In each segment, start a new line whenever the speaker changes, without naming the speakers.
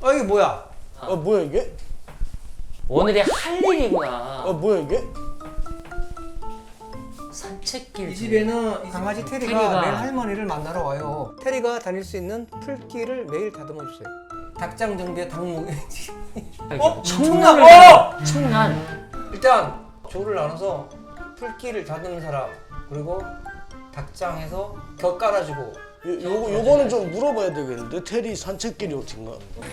이게 뭐야?
뭐야 이게?
오늘이 할 일이구나.
뭐야 이게?
산책길.
이 집에는 강아지 테리가
테리가
매일 할머니를 만나러 와요. 테리가 다닐 수 있는 풀길을 매일 다듬어 주세요. 닭장 정비에 닭목.
청난. 청난.
일단 조를 나눠서 풀길을 다듬는 사람, 그리고 닭장에서 겨 깔아주고.
요거는 좀 물어봐야 되겠는데 테리 산책길이 어딘가?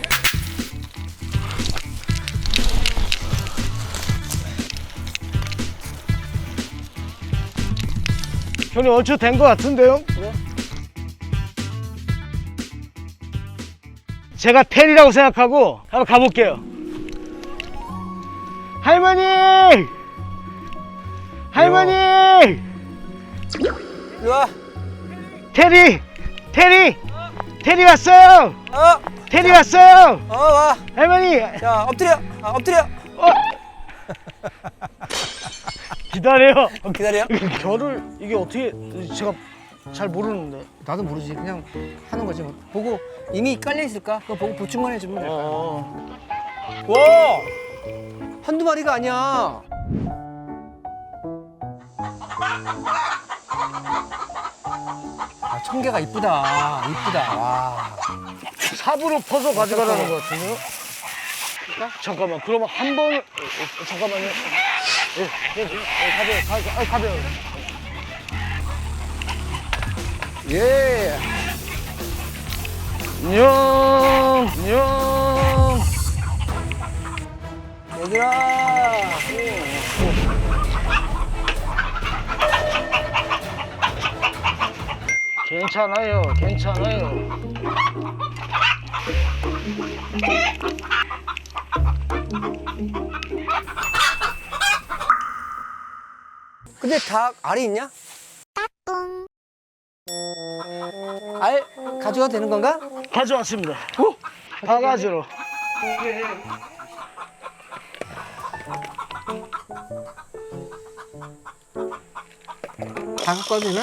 형님 얼추 된 것 같은데요?
그래?
제가 테리라고 생각하고 한번 가볼게요. 할머니! 할머니!
이리 와.
테리! 테리! 테리 왔어요! 테리 왔어요!
와.
할머니!
자, 엎드려. 엎드려.
기다려요.
기다려.
결을 이게 어떻게 제가 잘 모르는데.
나도 모르지. 그냥 하는 거지. 뭐. 보고 이미 깔려 있을까? 그거 보고 보충만 해주면 돼. 와! 한두 마리가 아니야. 청개가 이쁘다. 이쁘다. 와.
삽으로 퍼서 가져가라는 것 같은데요? 잠깐만, 그러면 한 번을 잠깐만요. 가벼워.
예.
안녕.
얘들아.
괜찮아요.
근데 닭 알이 있냐? 알 가져가도 되는 건가?
가져왔습니다. 바가지로.
다 갖고 와도 되나?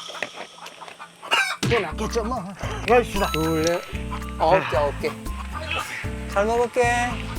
또 낫겠죠 뭐. 가십시다.
둘, 넷, 9개. 잘 먹을게.